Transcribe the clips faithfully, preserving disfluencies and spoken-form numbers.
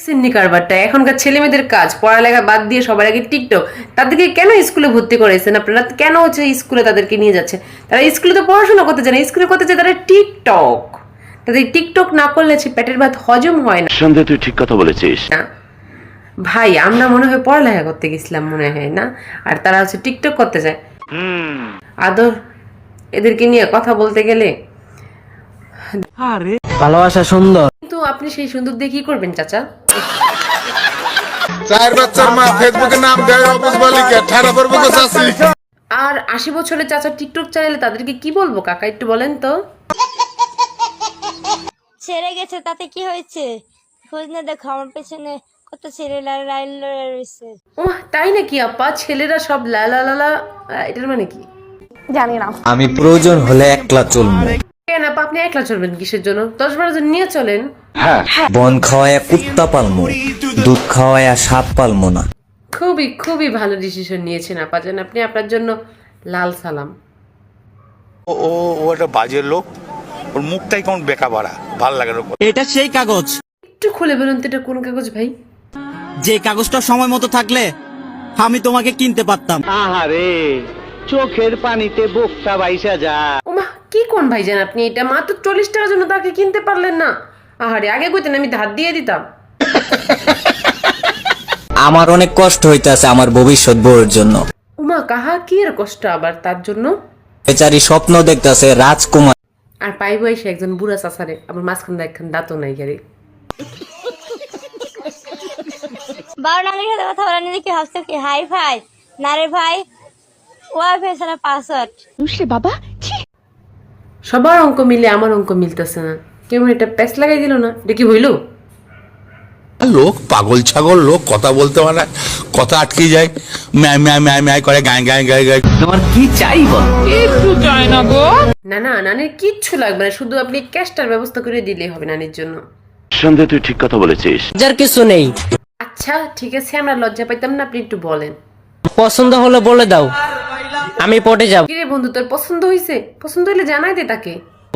সিন্নি কারবারটা এখনকার ছেলে মেয়েদের কাজ, পড়ালেখা বাদ দিয়ে সবার আগে টিকটক। তাদেরকে কেন স্কুলে ভর্তি করেছেন আপনারা? কেন হচ্ছে স্কুলে তাদেরকে নিয়ে যাচ্ছে? তারা স্কুলে তো পড়াশোনা করতে চায় না, স্কুলে করতে চায় তারা টিকটক। তাদের টিকটক না করলে সে পেটের ভাত হজম হয় না। সন্দেহ, তুই ঠিক কথা বলেছিস ভাই, আমরা মনে হয় পড়ালেখা করতে গেছিলাম মনে হয় না, আর তারা হচ্ছে টিকটক করতে চায়। আদর এদেরকে নিয়ে কথা বলতে গেলে ভালোবাসা সুন্দর, কিন্তু আপনি সেই সুন্দর দিয়ে কি করবেন চাচা? চার বাচ্চার মা ফেসবুকে নাম দেয় অবুজ বালিকা ঠাড়া পড়বে গো চাচি। আর আশি বছরের চাচা টিকটক চাইলে তাদেরকে কি বলবো কাকা, একটু বলেন তো। ছেড়ে গেছে তাতে কি হয়েছে? খোঁজ না দেখো, আমার পেছনে কত ছেলে লাইন রয়েছে। ও তাই নাকি আপা? ছেলেরা সব লালা লালা, এটার মানে কি? আমি প্রয়োজন হলে একলা চলবো। কেন আপা, আপনি একলা চলবেন কিসের জন্য? দশ বারো জন নিয়ে চলেন। বন খাওয়ায় কুত্তা পালমো, দুধ খাওয়ায় সাপ পালমো না। খুবই খুবই ভালো ডিসিশন নিয়েছেন আপা জান, আপনি আপনার জন্য লাল সালাম। ও ও ও একটা বাজে লোক, ওর মুখটাই কেমন বেকা বাড়া, ভাল লাগে না। এটা সেই কাগজ, একটু খুলে বলুন তো এটা কোন কাগজ ভাই? যে কাগজটা সময় মতো থাকলে আমি তোমাকে কিনতে পারতাম। আহারে, চোখের পানিতে বোকটা বাইসা যা। ওমা কি কোন ভাই জান আপনি? এটা মাত্র চল্লিশ টাকার জন্য তাকে কিনতে পারলেন না? আহারে, আগে কইতেন আমি ধার দিয়ে দিতাম। আমার অনেক কষ্ট হইতাছে আমার ভবিষ্যৎ বউয়ের জন্য। উমা কাহা কি এর কষ্ট আবার তার জন্য? বেচারি স্বপ্ন দেখতাছে রাজকুমার, আর পাইব এসে একজন বুড়া চাচারে, আবার মাঝখান একখান দাঁতও নাই গাড়ি। বারো নামের সাথে কথা বলা নিয়ে কি ভাবছো কি হাই ফাই? না রে ভাই, ওয়াইফাই ছাড়া পাসওয়ার্ড। সবার অঙ্ক মিলে আমার অঙ্ক মিলতেছে না। কেমন এটা প্যাচ লাগাই দিল না? এটা কি হইল? লোক পাগল ছাগল লোক, কথা বলতে পারে না, কথা আটকে যায়, ম্যায় ম্যায় ম্যায় ম্যায় করে, গায়ে গায়ে গায়ে গায়ে। তোমার কি চাই বল? না না, নানির কিচ্ছু লাগবে না, শুধু আপনি ক্যাশটার ব্যবস্থা করে দিলেই হবে নানির জন্য। সন্দেহ, তুই ঠিক কথা বলেছিস যার কিছু নেই। আচ্ছা ঠিক আছে, আমরা লজ্জা পাইতাম না, আপনি একটু বলেন। পছন্দ হলে বলে দাও, আমি পটে যাব। কিরে বন্ধু, তোর পছন্দ হয়েছে? পছন্দ হইলে জানাই দে তাকে।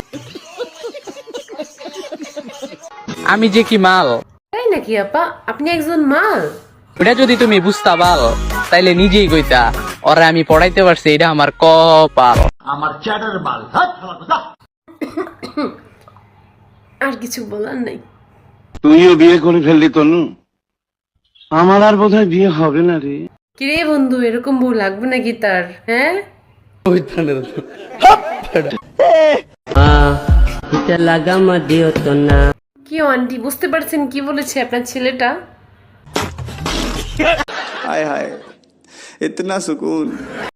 আমি যে কি মাল, তাই নাকি আপা? আপনি একজন মাল? ওটা যদি তুমি বুঝতা পাল তাইলে নিজেই কইতা ওরা আমি পড়াইতে পারছি, এটা আমার কপাল। আর কিছু বলার নাই। তুইও বিয়ে করে ফেললি তনু, আমার আর বোধহয় বিয়ে হবে না রে। কিরে বন্ধু, এরকম বউ লাগবে নাকি তার? হ্যাঁ কি আন্টি, বুঝতে পারছেন কি বলেছে আপনার ছেলেটা? हाय हाय इतना सुकून।